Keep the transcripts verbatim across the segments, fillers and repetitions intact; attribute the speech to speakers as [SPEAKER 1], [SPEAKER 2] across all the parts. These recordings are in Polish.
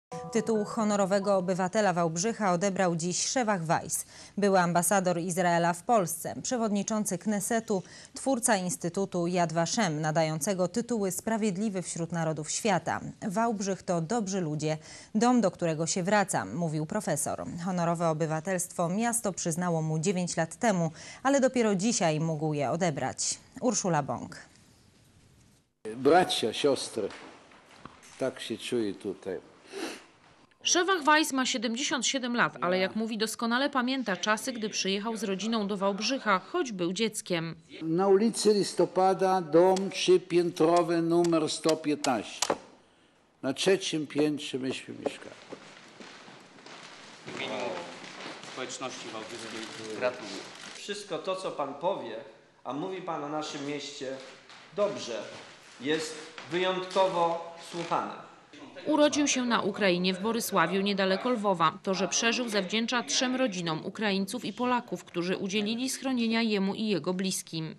[SPEAKER 1] Tytuł honorowego obywatela Wałbrzycha odebrał dziś Shevach Weiss, były ambasador Izraela w Polsce, przewodniczący Knesetu, twórca Instytutu Yad Vashem, nadającego tytuły Sprawiedliwy wśród Narodów Świata. Wałbrzych to dobrzy ludzie, dom, do którego się wracam, mówił profesor. Honorowe obywatelstwo miasto przyznało mu dziewięć lat temu, ale dopiero dzisiaj mógł je odebrać. Urszula Bąk.
[SPEAKER 2] Bracia, siostry, tak się czuję tutaj.
[SPEAKER 3] Shevach Weiss ma siedemdziesiąt siedem lat, ale jak mówi, doskonale pamięta czasy, gdy przyjechał z rodziną do Wałbrzycha, choć był dzieckiem.
[SPEAKER 2] Na ulicy Listopada, dom trzypiętrowy, numer sto piętnaście. Na trzecim piętrze myśmy mieszkali.
[SPEAKER 4] W imieniu społeczności wałbrzyskiej gratuluję. Wszystko to, co pan powie, a mówi pan o naszym mieście dobrze, jest wyjątkowo słuchane.
[SPEAKER 3] Urodził się na Ukrainie w Borysławiu, niedaleko Lwowa. To, że przeżył, zawdzięcza trzem rodzinom Ukraińców i Polaków, którzy udzielili schronienia jemu i jego bliskim.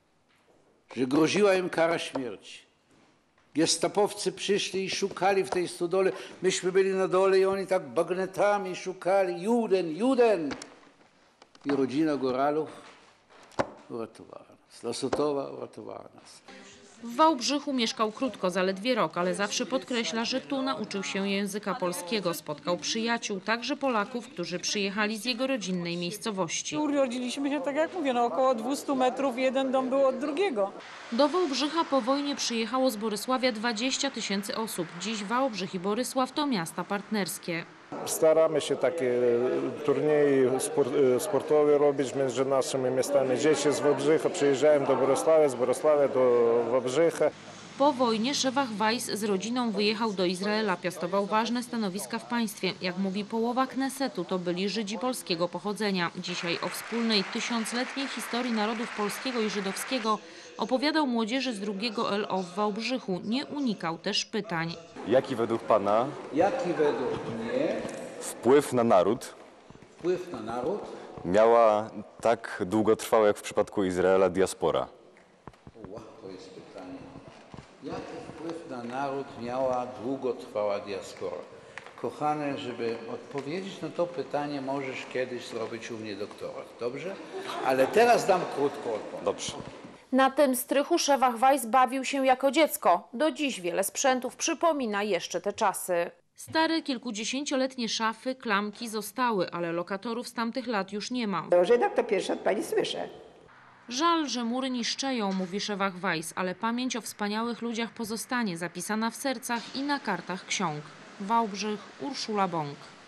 [SPEAKER 2] Że groziła im kara śmierci. Gestapowcy przyszli i szukali w tej stodole. Myśmy byli na dole i oni tak bagnetami szukali. Juden, Juden! I rodzina Goralów uratowała nas. Lasotowa uratowała nas.
[SPEAKER 3] W Wałbrzychu mieszkał krótko, zaledwie rok, ale zawsze podkreśla, że tu nauczył się języka polskiego. Spotkał przyjaciół, także Polaków, którzy przyjechali z jego rodzinnej miejscowości.
[SPEAKER 5] Urodziliśmy się, tak jak mówię, no około dwustu metrów, jeden dom był od drugiego.
[SPEAKER 3] Do Wałbrzycha po wojnie przyjechało z Borysławia dwadzieścia tysięcy osób. Dziś Wałbrzych i Borysław to miasta partnerskie.
[SPEAKER 6] Staramy się takie turnieje sportowe robić między naszymi miastami. Dzieci z Wałbrzycha przyjeżdżają do Borysławia, z Borysławia do Wałbrzycha.
[SPEAKER 3] Po wojnie Shevach Weiss z rodziną wyjechał do Izraela, piastował ważne stanowiska w państwie. Jak mówi, połowa Knesetu to byli Żydzi polskiego pochodzenia. Dzisiaj o wspólnej tysiącletniej historii narodów polskiego i żydowskiego opowiadał młodzieży z drugiego L O w Wałbrzychu. Nie unikał też pytań.
[SPEAKER 7] Jaki według pana
[SPEAKER 2] Jaki według mnie
[SPEAKER 7] wpływ na naród
[SPEAKER 2] wpływ na naród
[SPEAKER 7] miała tak długotrwała jak w przypadku Izraela diaspora?
[SPEAKER 2] O, to jest pytanie. Jaki wpływ na naród miała długotrwała diaspora? Kochane, żeby odpowiedzieć na to pytanie, możesz kiedyś zrobić u mnie doktorat, dobrze? Ale teraz dam krótką odpowiedź.
[SPEAKER 7] Dobrze.
[SPEAKER 3] Na tym strychu Shevach Weiss bawił się jako dziecko. Do dziś wiele sprzętów przypomina jeszcze te czasy. Stare, kilkudziesięcioletnie szafy, klamki zostały, ale lokatorów z tamtych lat już nie ma.
[SPEAKER 8] O Żydach to pierwszy od pani słyszę.
[SPEAKER 3] Żal, że mury niszczeją, mówi Shevach Weiss, ale pamięć o wspaniałych ludziach pozostanie zapisana w sercach i na kartach ksiąg. Wałbrzych, Urszula Bąk.